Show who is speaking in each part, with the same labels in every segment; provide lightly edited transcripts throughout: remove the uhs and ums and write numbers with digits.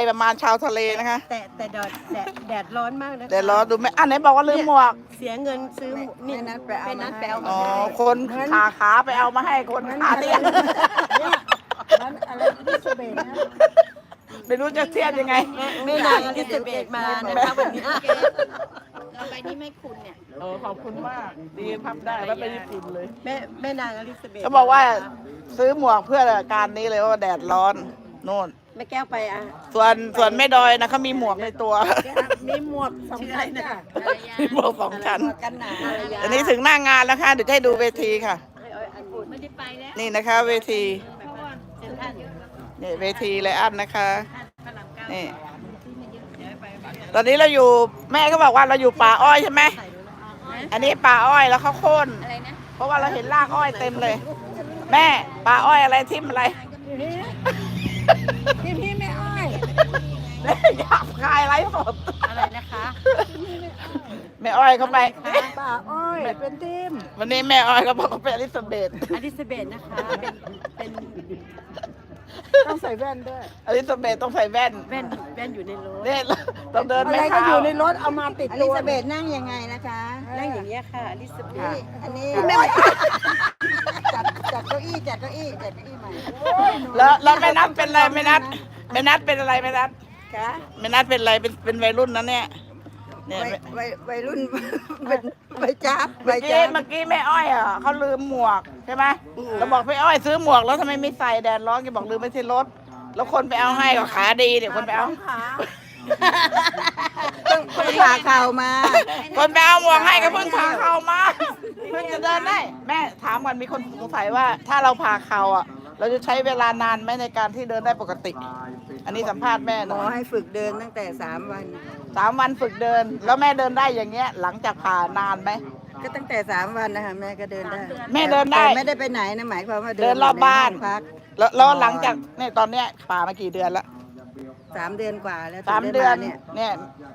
Speaker 1: ประมาณชาวทะเลนะคะ
Speaker 2: แต่แดดร้อนมากนะคะ
Speaker 1: เดี๋ยวรอดูไหมอันไหนบอกว่าลืมหมวก
Speaker 2: เสียเงินซื้อนี่นัดไปเอา
Speaker 1: อ๋อคนขาไปเอามาให้คนขาเตี้ย
Speaker 3: มันอะไรที่สเบนนะ
Speaker 1: ไม่รู้จะเทียบยังไง
Speaker 2: ไม่นานอลิซาเบธมานะคะวันนี้
Speaker 4: ต่อไปนี้ไม่คุณเนี่ย
Speaker 1: โอ้ขอบคุณมากดีพับได้แล้วไปญี่ปุ่นเลย
Speaker 2: แม่นางอลิซาเบธ
Speaker 1: เขาบอกว่าซื้อหมวกเพื่อการนี้เลยว่าแดดร้อนโน่น
Speaker 2: แม่แก้วไปอ่ะ
Speaker 1: ส่วนแม่ดอยนะเขามีหมวกในตัว
Speaker 3: มีหมวกสองชั้นจ้ะ
Speaker 1: มีหมวก2 ชั้น
Speaker 3: กันหนาว
Speaker 1: อันนี้ถึงหน้างานแล้วค่ะเดี๋ยวจะให้ดูเวทีค่ะ
Speaker 4: ไม่ได้ไปแล้ว
Speaker 1: นี่นะคะเวที
Speaker 4: เพราะว่าเซ็นทรัลเยอะ
Speaker 1: นี่เวทีไลอันนะคะ
Speaker 4: พระรามเก้า
Speaker 1: นี่
Speaker 4: ซื้อมาเยอะเดี๋ยวไป
Speaker 1: ตอนนี้เราอยู่แม่ก็บอกว่าเราอยู่ป่าอ้อยใช่ไหมอันนี้ป่าอ้อยแล้วเขาโค่น
Speaker 4: อะไรนะ
Speaker 1: เพราะว่าเราเห็นรากอ้อยเต็มเลย แม่ป่าอ้อยอะไรทิ่มอะไร
Speaker 3: พี่ไม่อ้อย
Speaker 1: แม่อยากคายไรสด
Speaker 2: อะไรนะคะ
Speaker 1: แม่อ้อยเขาไป
Speaker 3: ป่าอ้อยเป็นทีม
Speaker 1: วันนี้แม่อ้อยเขาบอกเขาเป็นอลิซาเบธ
Speaker 2: อลิซาเบธนะคะเป็น
Speaker 3: ต้องใส่แว่นด้วย
Speaker 1: อลิซาเบธต้องใส่แว่น
Speaker 2: แว่นอยู่ในรถ
Speaker 1: เนี่ยต้องเดิน
Speaker 3: อะไร
Speaker 1: ไม่
Speaker 3: ก็
Speaker 1: เท้า
Speaker 3: อยู่ในรถเอามาติด
Speaker 5: อ
Speaker 3: ตั
Speaker 5: ลิ
Speaker 3: ว
Speaker 5: ซาเบธนั่งยังไงนะคะ
Speaker 2: นั่งอย่างเงี้ยค่ะอลิซาเบธ
Speaker 5: อันนี้จัดเก้าอี้จัดเก้าอี้จัดเก้าอี้ใหม่
Speaker 1: แล้วแม่นัทเป็นอะไรแม่นัทเป็นอะไรแม่นัท
Speaker 5: ค่ะ
Speaker 1: แม่นัทเป็นอะไรเป็นวัยรุ่นนะเนี่ยเนี่ย
Speaker 5: วัยรุ่นเป็นใบจับใบ
Speaker 1: เมื่อ
Speaker 5: จั
Speaker 1: กี้
Speaker 5: บ
Speaker 1: เมื่อกี้แม่อ้อยอ่ะเขาลืมหมวกใช่ไหมเราบอกแม่อ้อยซื้อหมวกแล้วทำไมไม่ใส่แดดร้อนแกบอกลืมไว้ที่รถแล้วคนไปเอาให้ก็ขาดีเดี๋ยวคนไปเอา
Speaker 5: ต้องผ่าเข่ามา
Speaker 1: คนไปเอาหมวกให้ก็เพิ่งพาเข่ามาเพิ่งจะเดินได้ แม่ถามก่อนมีคนสงสัยว่าถ้าเราพาเข่าอ่ะ เราจะใช้เวลานานไหมในการที่เดินได้ปกติ อันนี้สัมภาษณ์แม่ห
Speaker 5: หม
Speaker 1: น่
Speaker 5: อ
Speaker 1: อย
Speaker 5: ให้ฝึกเดินตั้งแต่3 วัน
Speaker 1: 3 วันฝึกเดิน แล้วแม่เดินได้อย่างเงี้ย หลังจากผ่านานไหม
Speaker 5: ก็ตั้งแต่3 วันนะคะแม่ก็เดินได้
Speaker 1: แม่เดินได้
Speaker 5: แต่ไม่ได้ไปไหนนะหมายความว่า
Speaker 1: เดินรอบบ้าน
Speaker 5: ให้องพัก
Speaker 1: แล้วหลังจากเนี่ยตอนเนี้ยผ่ามากี่เดือนละ
Speaker 5: 3 เดือนกว่าแล้ว
Speaker 1: 3 เดือน
Speaker 5: เนี่ย
Speaker 1: เนี่ย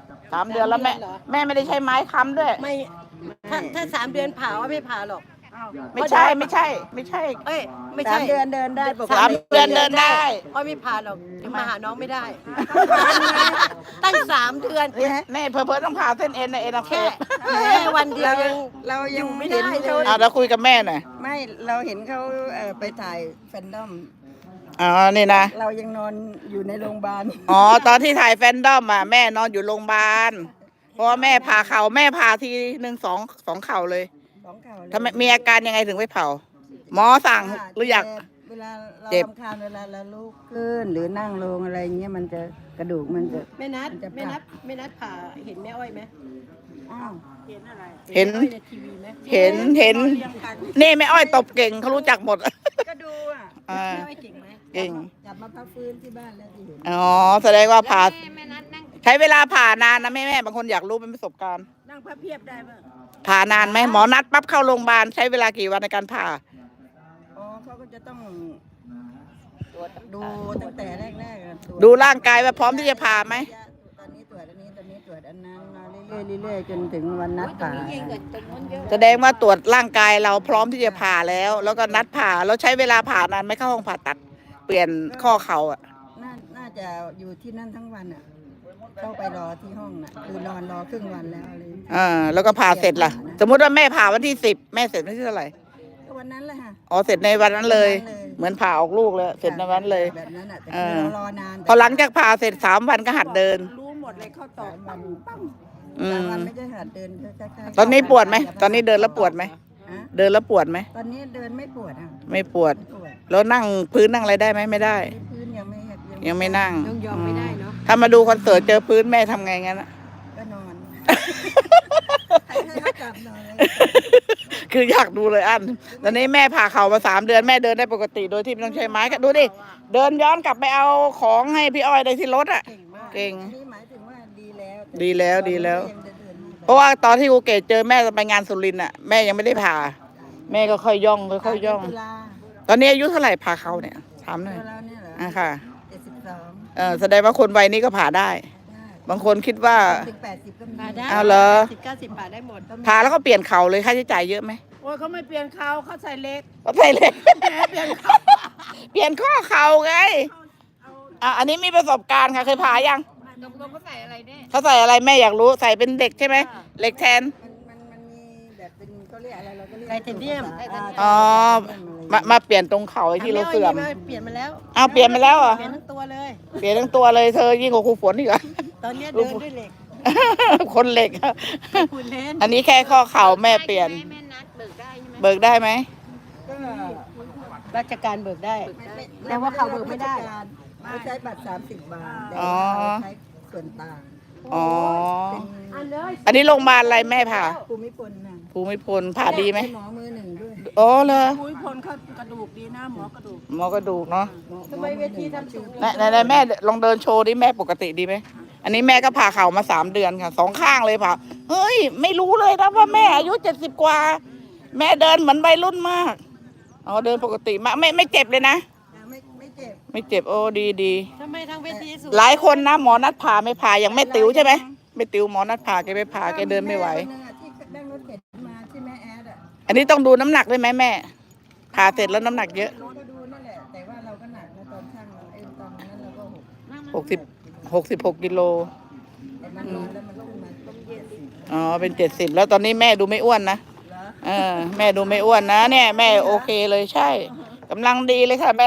Speaker 1: 3 เดือนแล้วแม่ไม่ได้ใช้ไม้ค้ำด้วย
Speaker 2: ไม่ถ้า3 เดือนผ่าว่าไม่ผ่าหรอก
Speaker 1: ไม่ใช่
Speaker 2: เอ้ยไม่
Speaker 5: สา
Speaker 2: ใช่
Speaker 5: มเดือนเดินได้ปก
Speaker 1: สาม
Speaker 5: ติ
Speaker 1: เดือนเดินได้
Speaker 2: อ้อยไม่ผ่าหรอกยังมาหาน้องไม่ได้ ตั้ง3 เดือน
Speaker 1: แม่เพิ่ต้องผ่าเส้นเอ็นนะเอ็นอักเส
Speaker 2: แค่
Speaker 1: บ
Speaker 2: วันเดียวยัง
Speaker 5: เรายัง
Speaker 2: อยู่ไม่
Speaker 5: เห็น
Speaker 2: ได้เลย
Speaker 5: เขา
Speaker 1: เราคุยกับแม่หน่อย
Speaker 5: ไม่เราเห็นเขาไปถ่ายแฟนดอม
Speaker 1: อ๋อนี่นะ
Speaker 5: เรายังนอนอยู่ในโรงพยาบาล
Speaker 1: อ๋อตอนที่ถ่ายแฟนดอมอ่ะแม่นอนอยู่โรงพยาบาลเพราะว่าแม่ผ่าเข่าแม่ผ่าทีหนึ่งสองเข่าเลย
Speaker 5: 2 เข่าเลย
Speaker 1: ทำไมมีอาการยังไงถึงไปเผาหมอสั่งหรืออยาก
Speaker 5: เวลาเรา
Speaker 1: เจ็บ
Speaker 5: ทำคานเวลาเราลุกขึ้นหรือนั่งลงอะไรเงี้ยมันจะกระดูกมันจะ
Speaker 2: แม่นัดผ่าเห็นแม่อ้อยไหม
Speaker 5: อ้าว
Speaker 1: เห็น
Speaker 2: แม่อ้อยในทีวีไหม
Speaker 1: เห็นนี่แม่อ้อยตบเก่งเขารู้จักหมด
Speaker 5: ก็ดูอ่ะ
Speaker 1: อ่า
Speaker 2: แม่อ้อยเก่งไหม
Speaker 1: เก่ง
Speaker 5: จับมาพักฟื้นที่บ้านแล้วที่เห็น
Speaker 1: อ๋อแสดงว่าผ่า
Speaker 4: แม่นัดนั่ง
Speaker 1: ใช้เวลาผ่านานนะแม่บางคนอยากรู้เป็นประสบการณ์
Speaker 5: นั่งพับเพียบได้ป่ะ
Speaker 1: ผ่านานไหมหมอนัดปั๊บเข้าโรงพยาบาลใช้เวลากี่วันในการผ่า
Speaker 5: อ๋อเขาก็จะต้องดูตั้งแต่แรกๆอะตรวจ
Speaker 1: ดูร่างกายว่าพร้อมที่จะผ่าไหม
Speaker 5: ตอนนี้ตรวจอันนี้ตอนนี้ตรวจอันนั้นมาเรื่อยๆจนถึงวันนัดผ่า
Speaker 4: ยิงกับตรงนู้นเยอะ
Speaker 1: แสดงว่าตรวจร่างกายเราพร้อมที่จะผ่าแล้ว แล้วก็นัดผ่าแล้วใช้เวลาผ่านานไหม่เข้าห้องผ่าตัด เปลี่ยนข้อเข่าอ่ะ
Speaker 5: น่าจะอยู่ที่นั่นทั้งวันอ่ะเข้าไปรอที่ห้องน่ะคือนอนรอครึ่งวันแล้วอะไรอย่างเงี้ย
Speaker 1: แล้วก็ผ่าเสร็จล่ะ สมมุติว่าแม่ผ่าวันที่10แม่เสร็จวันที่เท่าไหร่
Speaker 5: ก็วันนั้นแหละค่ะ
Speaker 1: อ๋อเสร็จในวันนั้นเลย
Speaker 5: วันนั้นเลย
Speaker 1: เหมือนผ่าออกลูกเลยเสร็จในวันนั้นเลย
Speaker 5: แบบนั้นอ่ะแต่
Speaker 1: เอ
Speaker 5: คือ
Speaker 1: อ
Speaker 5: เรารอนาน
Speaker 1: พอหลังจากผ่าเสร็จ3 วันก็หัดเดิน
Speaker 3: รู้หมดเลยเข้าตอกปั๊มปั๊ม
Speaker 1: อื
Speaker 5: สาม
Speaker 1: ม
Speaker 5: วันไม่ใช่หัดเดินใกล้ๆ
Speaker 1: ตอนนี้ปวดไหมตอนนี้เดินแล้วปวดไหม
Speaker 5: ฮะ
Speaker 1: เดินแล้วปวดไหม
Speaker 5: ตอนนี้เดินไม่ปวดอ่ะ
Speaker 1: ไม่ปวด
Speaker 5: ไม่ปวด
Speaker 1: แล้วนั่งพื้นนั่งอะไรได้ไหมไม่ได้
Speaker 5: พื้นยังไม่
Speaker 1: ยังไม่นั่ง
Speaker 2: ยังยอมไม่ได้เนาะ
Speaker 1: ถ้ามาดูคอนเสิร์ตเจอพื้นแม่ทำไงงั้นอะ
Speaker 5: ก็นอนให้เขาจับนอนเลย
Speaker 1: คืออยากดูเลยอันตอนนี้แม่ผ่าเข่ามา3 เดือนแม่เดินได้ปกติโดยที่ไม่ต้องใช้ไม้ก็ดูดิเดินย้อนกลับไปเอาของให้พี่อ้อยได้ที่รถอ่ะ
Speaker 2: เก่งมาก
Speaker 1: เก่ง
Speaker 5: นี่หมายถึงว่าดีแล้ว
Speaker 1: ดีแล้วดีแล้ว
Speaker 5: ยังเดินได้
Speaker 1: เพราะว่าตอนที่กูเกตเจอแม่ไปงานสุรินทร์อ่ะแม่ยังไม่ได้ผ่า แม่ก็ค่อยย่องค่อยย่อง
Speaker 5: ตุลา
Speaker 1: ตอนนี้อายุเท่าไหร่ผ่าเข่าเนี่ยถามหน่อย
Speaker 5: ตัวเราเนี่ยเหรอ
Speaker 1: อ่ะค่ะ
Speaker 5: 72
Speaker 1: แสดงว่าคนวัยนี้ก็ผ่าได้
Speaker 5: ได้
Speaker 1: บางคนคิดว่า
Speaker 5: ถึง80ก็มี
Speaker 2: ผ่าได้
Speaker 1: เอาเหรอ
Speaker 2: 90 ผ่าได้หมด
Speaker 1: ผ่าแล้วก็เปลี่ยนเข่าเลยค่าใช้จ่ายเยอะไหม
Speaker 3: โอ้ยเขาไม่เปลี่ยนเขาเขาใส่เล็ก
Speaker 1: ก็ใช่เลย
Speaker 3: แหมเปลี่ยนเขา
Speaker 1: เปลี่ยนข้อเข่าไงอันนี้มีประสบการณ์ค่ะเคยผ่ายัง
Speaker 4: ตกลงเขาใส่อะไรเนี่ย
Speaker 1: เขาใส่อะไรแม่อยากรู้ใส่เป็นเหล็กใช่ไหมเหล็กแทน
Speaker 5: มันมีแบบเป็นเขาเรียกอะไรเราก็เรียก
Speaker 2: ไทเทเนียม
Speaker 1: อ๋อมาเปลี่ยนตรงเขาไอ้ที่เราเสื่อม
Speaker 2: เปลี่ยนมาแล้ว
Speaker 1: เอาเปลี่ยนไปแล้วเหรอ
Speaker 2: เปลี่ยนทั้งตัวเลย
Speaker 1: เปลี่ยนทั้งตัวเลยเธอยิ่งกว่าครูฝนอีกเหรอ
Speaker 2: ตอนเนี้ยเดินด้วยเหล็ก
Speaker 1: คนเหล็ก
Speaker 2: คุณเล่น
Speaker 1: อันนี้แค่ข้อเข่าแม่เปลี่ยน
Speaker 4: แม่นัดเบิกได้ใช่ไหม
Speaker 1: เบิกได้ไหม
Speaker 5: ก็
Speaker 2: ราชการเบิกได้ แต่ว่าเขาเบิกไม่ได้
Speaker 5: เขาใช้บัตร30 บาทแต่
Speaker 1: อ๋อ
Speaker 5: ว่าใช้ส่วนต่าง
Speaker 1: อ๋อ
Speaker 5: เป็น
Speaker 1: อันนี้โรงพยาบาลอะไรแม่ผ่า
Speaker 5: ภูมิพลนะ
Speaker 1: ภูมิพลผ่าดีไหม
Speaker 5: หมอมือหนึ่งด้วย
Speaker 1: อ๋อเหรอ
Speaker 3: คุยพลเขากระดูกดีนะหมอกระดูก
Speaker 1: หมอกระดูกเนาะ
Speaker 2: ทำไมเวทีทำสูง
Speaker 1: ไหนแม่ลองเดินโชว์ดิแม่ปกติดีไหมอันนี้แม่ก็ผ่าเข่ามา3 เดือนค่ะ2 ข้างเลยผ่าเฮ้ยไม่รู้เลยนะว่าแม่อายุ70 กว่า แม่เดินเหมือนวัยรุ่นมากอ๋อเดินปกติมากไม่เจ็บเลยนะ
Speaker 5: ไม่เจ็บ
Speaker 1: ไม่เจ็บโอ้ดี
Speaker 2: ทำไมทางเวทีสูง
Speaker 1: หลายคนนะหมอนัดผ่าไม่ผ่าอย่างแม่ติ๋วใช่ไหมแม่ติ๋วหมอนัดผ่าแกไม่ผ่าแกเดินไม่ไหว
Speaker 5: แคนนึงอะที่นั่งรถเข็นมาที่แม่แอดอ่ะ
Speaker 1: อันนี้ต้องดูน้ำหนักด้วยไหมแม่ผ่าเสร็จแล้วน้ำหนักเยอะ
Speaker 5: เราก็ดูนั่นแหละแต่ว่าเราก็หนักนะตอนช่างเราตอนนั้นเราก็
Speaker 1: 66 กิโล
Speaker 5: แต่มันนอนแล้วมันขึ้นมาต้องเย็นสิ
Speaker 1: อ๋อเป็น70แล้วตอนนี้แม่ดูไม่อ้วนนะแม่ดูไม่อ้วนนะเนี่ยแม่โอเคเลยใช่กำลังดีเลยค่ะแม่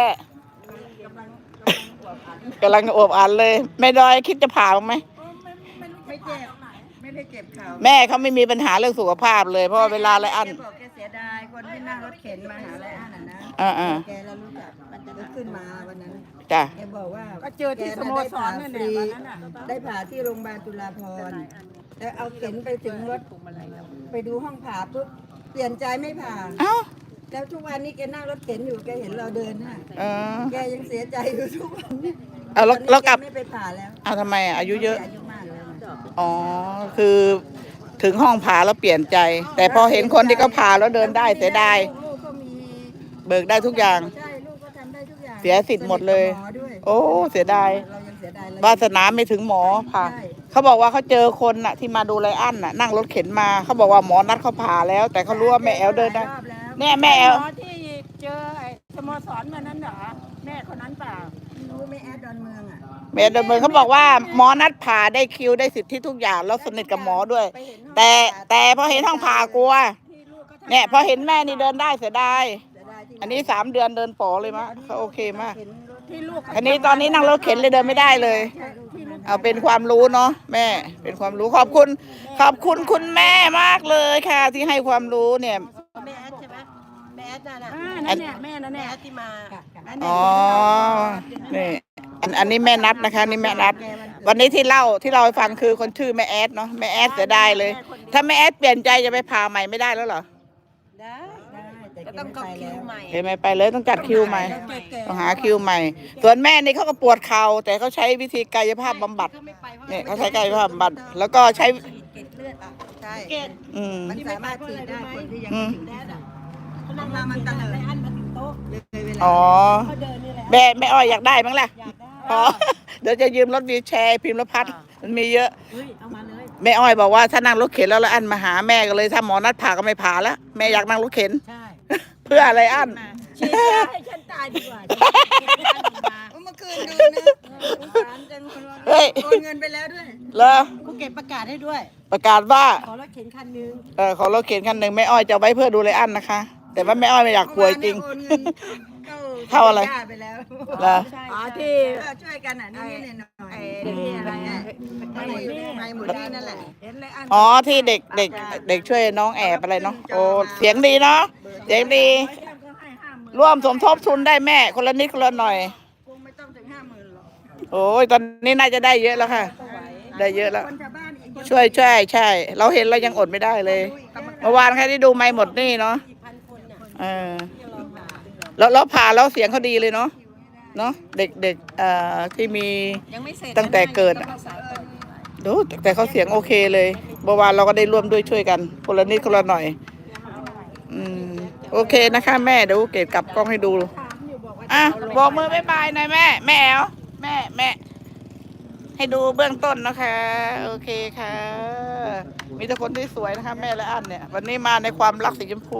Speaker 1: กำลังอวบอันเลยแม่ดอยคิดจะผ่าบ้างไหม
Speaker 5: ไม่เจ็บไม่ได้เจ็บเข่า
Speaker 1: แม่เขาไม่มีปัญหาเรื่องสุขภาพเลยเพราะว่าเวลาไรอัน
Speaker 5: แกบอกแกเสียดายคนที่นั่งรถเข็นมาหาไรอันนะ
Speaker 1: อ่า
Speaker 5: แกเรารู้จักมันจะขึ้นมาวันนั้น
Speaker 1: จ้ะ
Speaker 5: แกบอกว่า
Speaker 3: ก็เจอที่สโมสรนั่นแหละวันนั้นน่ะ
Speaker 5: ได้ผ่าที่โรงพยาบาลจุฬาภรณ์แล้วเอาเข็นไปถึงรถไปดูห้องผ่าปุ๊บเปลี่ยนใจไม่ผ่า
Speaker 1: เอ้า
Speaker 5: แล้วทุกวันนี้แกนั่งรถเข็นอยู่แกเห็นเราเดินน่ะ
Speaker 1: เออ
Speaker 5: แกยังเสียใจอยู่ทุกวันนี้
Speaker 1: เอาแล้วกลับ
Speaker 5: แไม่ไปผ่าแล้ว
Speaker 1: เอาทำไมอายุเยอะ
Speaker 5: อายุมากแล้วนะ
Speaker 1: อ๋อคือถึงห้องผ่าแล้วเปลี่ยนใจ แต่พอเห็นคนที่เขาผ่าแล้วเดินได้เสียดาย
Speaker 5: ลูกก็มี
Speaker 1: เบิกได้ทุกอย่าง
Speaker 5: ใช่ลูกก็ทำได้ทุกอย่าง
Speaker 1: เสียสิทธิ์หมดเลย
Speaker 5: สนิทกับหมอด้วย
Speaker 1: โอ้เสียดาย
Speaker 5: เรายังเสียดายเลย
Speaker 1: วาสนาไม่ถึงหมอผ่า
Speaker 5: ใช่
Speaker 1: เขาบอกว่าเขาเจอคนน่ะที่มาดูไรอันน่ะนั่งรถเข็นมาเขาบอกว่าหมอนัดเขาผ่าแล้ว แต่เขารู้ว่าแม่แอลเดินได้
Speaker 5: รอบแล้ว
Speaker 1: เนี่ยแม่แอล
Speaker 3: หมอที่เจอไอ้สโมสรวันนั้นเหรอแม่คนนั้นเปล่า
Speaker 5: รู้ไหม่แอดดอนเมืองอ่ะ
Speaker 1: แม่เดินเมืองเขาบอกว่าหมอนัดผ่าได้คิวได้สิทธิทุกอย่างแล้วสนิทกับหมอด้วย
Speaker 5: ไปเห็นห้อง
Speaker 1: แต่พอเห็นห้องผ่ากลัว
Speaker 5: ที่ลูกก็ทำ
Speaker 1: เนี่ยพอเห็นแม่นี่เดินได้เสียดาย
Speaker 5: เสียดายที่
Speaker 1: อันนี้3 เดือนเดินป๋อเลยมะเขาโอเคมาก
Speaker 5: เห็นรถ
Speaker 3: ที่ลูก
Speaker 1: อันนี้ตอนนี้นั่งรถเข็นเลยเดินไม่ได้เลย เอาเป็นความรู้เนาะแม่เป็นความรู้ขอบคุณคุณแม่มากเลยค่ะ ที่ให้ความรู้เนี่ย
Speaker 2: แม่แอดใช่ไหมแม่แอดน่ะ
Speaker 3: นั่นเนี่ยแม่นั่น
Speaker 2: แม่
Speaker 3: เนี่ย
Speaker 2: แอดที่มา
Speaker 1: อ๋อนี่อันนี้แม่นัดนะคะนี่แม่นัด วันนี้ที่เล่าให้ฟังคือคนชื่อแม่แอดเนาะแม่แอดเสียดายเลย ถ้าแม่แอดเปลี่ยนใจจะไปผ่าใหม่ไม่ได้แล้วเหรอ
Speaker 2: ได้
Speaker 5: ได้แต่
Speaker 2: ก็
Speaker 5: แก
Speaker 2: ต้อง
Speaker 5: ไม่
Speaker 2: เข้า
Speaker 5: ไป
Speaker 2: คิ
Speaker 5: แล้ว ว
Speaker 2: ใหม่
Speaker 1: เห็นไหมไปเลยต้องจัดคิวใหม่
Speaker 3: แก่
Speaker 1: ต้องหาคิวใหม่ ส่วนแม่นี่เขาก็ปวดเข่าแต่เขาใช้วิธีกายภาพบำบัด
Speaker 2: เขาไม่ไปเพราะ
Speaker 1: เนี่ยเขาใช้กายภาพบำบัดแล้วก็ใช้
Speaker 5: เกล็ดเลือดอ่ะใช่
Speaker 2: เกต
Speaker 1: อืม
Speaker 5: มันสามารถฉีดได้คนที่ยัง
Speaker 1: อื
Speaker 5: ไม่
Speaker 1: ม
Speaker 5: ถึงแดดอ่ะ
Speaker 2: เขานั่งมามันกันเลยอันมาถึงโต๊ะ
Speaker 5: เลยเวลา
Speaker 1: อ๋อ
Speaker 2: เขาเดินนี่แหละ
Speaker 1: แม่อ้อยอยากได้มั้งล่ะ
Speaker 2: อยากได้
Speaker 1: อ๋อเดี๋ยวจะยืมรถวีลแชร์พิมพ์รพัฒน์มันมีเยอะ
Speaker 2: เฮ้ยเอามาเลย
Speaker 1: แม่อ้อยบอกว่าถ้านั่งรถเข็นแล้วอันมาหาแม่ก็เลยถ้าหมอนัดผ่าก็ไม่ผ่าแล้วแม่อยากนั่งรถเข็น
Speaker 2: ใช่
Speaker 1: เพื่ออะไรอัน
Speaker 2: ฉีดยาให้ฉันตายดีกว่า
Speaker 5: เมื่อคืนดูนะสงสารจังคนว่า
Speaker 1: เฮ้ย
Speaker 5: โอนเงินไปแล้วด้วย
Speaker 1: เหรอ
Speaker 2: ภูเก็ตประกาศให้ด้วย
Speaker 1: ประกาศว่า
Speaker 2: ขอรถเข็นคันนึง
Speaker 1: ขอรถเข็นคันหนึ่งแม่อ้อยจะเอาไว้เพื่อดูไรอันนะคะ แต่ว่าแม่อ้อยไม่อยากป่วยจริง
Speaker 5: เมื่อวานเนี่ยโอนเงิน
Speaker 1: เข้าอะไร
Speaker 5: ย่ไปแล้ว
Speaker 1: เหรอ
Speaker 3: อ๋อที่
Speaker 5: ช่วยกันอ่ะนี่นี่หน่อย
Speaker 3: นี่อะไรอ่ะ
Speaker 5: ไม่หมดนี่นั่นแหละ
Speaker 3: เห็นเลยอัน
Speaker 1: อ๋อที่เด็กช่วยน้องแอบอะไรเนาะโอ้เสียงดีเนาะเสียงดี
Speaker 3: ก็ให้50,000
Speaker 1: ร่วมสมทบทุนได้แม่คนละนิดคนละหน่อย
Speaker 5: คงไม่ต้องถึง50,000หรอก
Speaker 1: โอ้ยตอนนี้น่าจะได้เยอะแล้วค่ะ ได้เยอะแล้ว
Speaker 5: คนชาวบ้านอีกคน
Speaker 1: ช่วยใช่ เราเห็นเรายังอดไม่ได้เลย เมื่อวานใครที่ดูไม่หมดนี่เนาะ
Speaker 2: พันคนน่ะ
Speaker 1: เออแล้วผ่าแล้วเสียงเขาดีเลยเนาะเนาะเด็กที่มี
Speaker 2: ยังไม่เสร็จ
Speaker 1: ตั้งแต่เกิดอะ ดูแต่เขาเสียงโอเคเลยเมื่อวานเราก็ได้ร่วมด้วยช่วยกันคนละนิดคนละหน่อย โอเคนะคะแม่เดี๋ยวเกดกลับกล้องให้ดูอ่ะบอกมือบ๊ายบายหน่อยแม่แม่แอ๋วแม่ให้ดูเบื้องต้นนะคะโอเคค่ะ มีแต่คนที่สวยนะคะแม่และอันเนี่ย วันนี้มาในความรักสีชมพู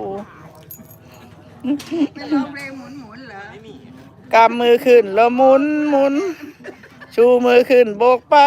Speaker 5: ไม่ร้องเพลงหมุนๆเหรอ
Speaker 1: กำมือขึ้นแล้วหมุนชูมือขึ้นโบกไป